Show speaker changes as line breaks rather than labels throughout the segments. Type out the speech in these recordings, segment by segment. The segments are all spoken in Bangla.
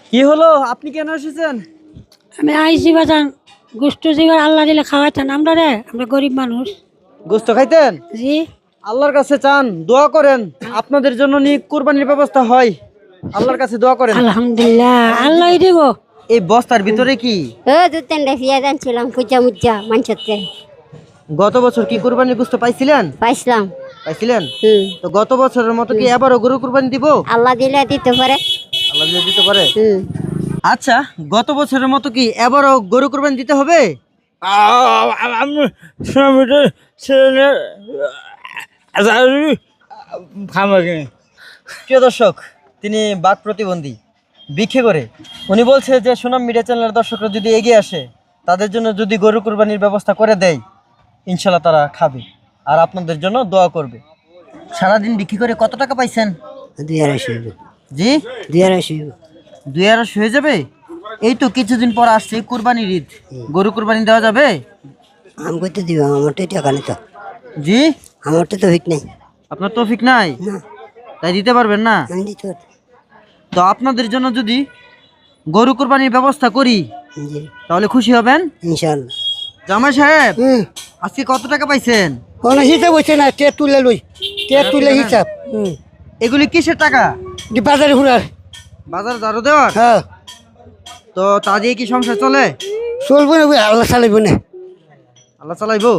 কি হলো, আপনি কেন এসেছেন?
আমি আইসি বাজান গোষ্ঠ জিবার আল্লাহ দিলে খাওয়াইতেন আমরা রে, আমরা গরিব মানুষ।
গোস্ত খাইতেন?
জি।
আল্লাহর কাছে চান, দোয়া করেন আপনাদের জন্য নিয়ে কুরবানির ব্যবস্থা হয়। আল্লাহর কাছে দোয়া করেন।
আলহামদুলিল্লাহ, আল্লাহ দিব।
এই বস্তার ভিতরে কি?
দু তিনটা ফিয়া জানছিলাম পূজা মুজা মানুষতে
গত বছর কি কুরবানির গোস্ত পাইছিলেন?
পাইছিলাম।
পাইছিলেন?
হুম।
তো গত বছরের মতো কি এবারও গরু কুরবানি দিব?
আল্লাহ দিলে দিতে পারে।
আল্লাহ যদি দিতে পারে।
হুম।
আচ্ছা, গত বছরের মতো কি এবারও গরু কুরবানি দিতে হবে? প্রিয় দর্শক, তিনি বাক প্রতিবন্ধী, ভিক্ষে করে। উনি বলছে যে সুনাম মিডিয়া চ্যানেলের দর্শকরা যদি এগিয়ে আসে, তাদের জন্য যদি গরু কুরবানির ব্যবস্থা করে দেয়, ইনশাল্লাহ তারা খাবে আর আপনাদের জন্য দোয়া করবে। সারাদিন বিক্রি করে কত টাকা পাইছেন?
250
জি,
250
2,200 হয়ে যাবে। এই তো কিছুদিন পর আসছে কুরবানির ঈদ, গরু কুরবানি দেওয়া যাবে?
আমি করতে দিব, আমার তো টাকা নেই তো।
জি,
আমার তো হিট নেই।
আপনার তৌফিক নাই,
না,
তাই দিতে পারবেন না।
আমি দিতে পারি।
তো আপনাদের জন্য যদি গরু কুরবানির ব্যবস্থা করি,
জি,
তাহলে খুশি হবেন?
ইনশাল্লাহ।
জামাই সাহেব, আজকে কত টাকা পাইছেন?
কোনো হিসাব হচ্ছে না, টেট তুলে লই, টেট তুলে হিসাব।
এগুলি কিসের টাকা?
বাজারে ঘুরার।
বাজার দারো দেওয়ার?
হ্যাঁ,
তো তা দিয়ে কি সংসার চলে?
চলবো না, আল্লাহ চালাইবো না।
আল্লাহ চালাইবো।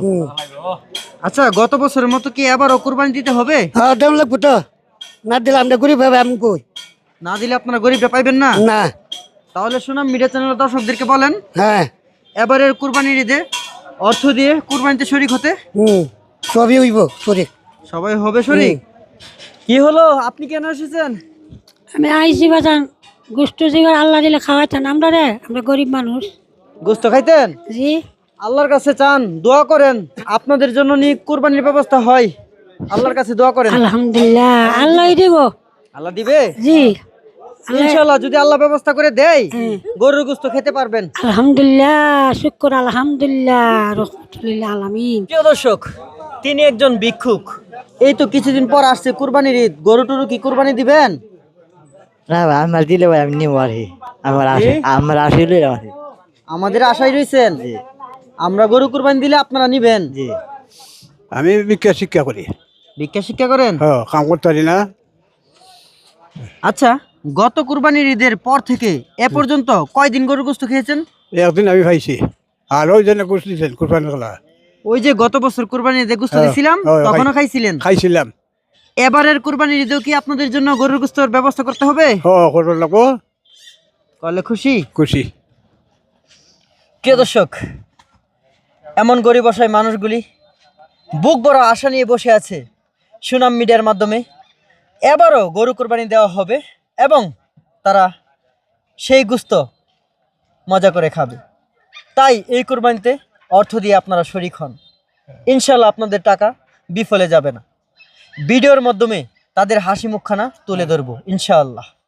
আচ্ছা, গত বছরের মতো কি এবারও কুরবানি দিতে হবে?
হ্যাঁ, দাম লাগবো তো, না দিলে আমরা গরিব হবে। আমি কই
না দিলে আপনারা গরিবটা পাইবেন না।
না।
তাহলে সুনাম মিডিয়া চ্যানেলের দর্শকদেরকে বলেন,
হ্যাঁ,
এবারের কুরবানির ঈদে অর্থ দিয়ে কুরবানিতে শরিক হতে।
সবই হইব শরীর।
সবাই হবে শরিক। কি হলো, আপনি কেন এসেছেন?
আমি আইসি বাজান গোষ্ঠ জিবার আল্লাহ দিলে খাওয়াইতেন আমরা রে, আমরা গরিব মানুষ।
গোস্ত খাইতেন?
জি।
আল্লাহর কাছে চান, দোয়া করেন আপনাদের জন্য নিয়ে কুরবানির ব্যবস্থা হয়। আল্লাহর কাছে দোয়া করেন।
আলহামদুলিল্লাহ, আল্লাহ দিব।
আল্লাহ দিবে
জি।
ইনশাআল্লাহ। যদি আল্লাহ ব্যবস্থা করে দেয়, গরুর গোস্ত খেতে পারবেন।
আলহামদুলিল্লাহ, শুকর আলহামদুলিল্লাহ, রহমতুল্লাহ আলামিন।
প্রিয় দর্শক, তিনি একজন ভিক্ষুক। এই তো কিছুদিন পর আসছে কুরবানির ঈদ, গরু টরু কি কুরবানি দিবেন?
না ভাই, আমার দিলে ভাই আমি নিবো আর কি। আমার আসলে
আমাদের আশায় রয়েছেন, আমরা গরু কুরবানি দিলে আপনারা নিবেন।
জি,
আমি ভিক্ষা শিক্ষা করি।
ভিক্ষা শিক্ষা করেন?
হ্যাঁ, কাম করতে পারি না।
আচ্ছা, গত কুরবানির ঈদের পর থেকে এ পর্যন্ত কয়দিন গরুর গোস্ত খেয়েছেন?
একদিন আমি পাইছি, আর ওই জন্য গোস দিয়েছেন কোরবানি করা।
ওই যে গত বছর কুরবানির ঈদে গোস্ত দিছিলাম, তখনও খাইছিলেন?
খাইছিলাম।
এবারের কুরবানির ঈদেও কি আপনাদের জন্য গরুর গোস্তর ব্যবস্থা করতে হবে?
করতে লাগবো।
করলে খুশি?
খুশি।
প্রিয় দর্শক, এমন গরিব অসহায় মানুষগুলি বুক বড় আশা নিয়ে বসে আছে সুনাম মিডিয়ার মাধ্যমে এবারও গরু কুরবানি দেওয়া হবে এবং তারা সেই গোস্ত মজা করে খাবে। তাই এই কুরবানিতে অর্থ দিয়ে আপনারা শরিক হন। ইনশাল্লাহ আপনাদের টাকা বিফলে যাবে না। ভিডিওর মাধ্যমে তাদের হাসি মুখখানা তুলে ধরবো ইনশাআল্লাহ।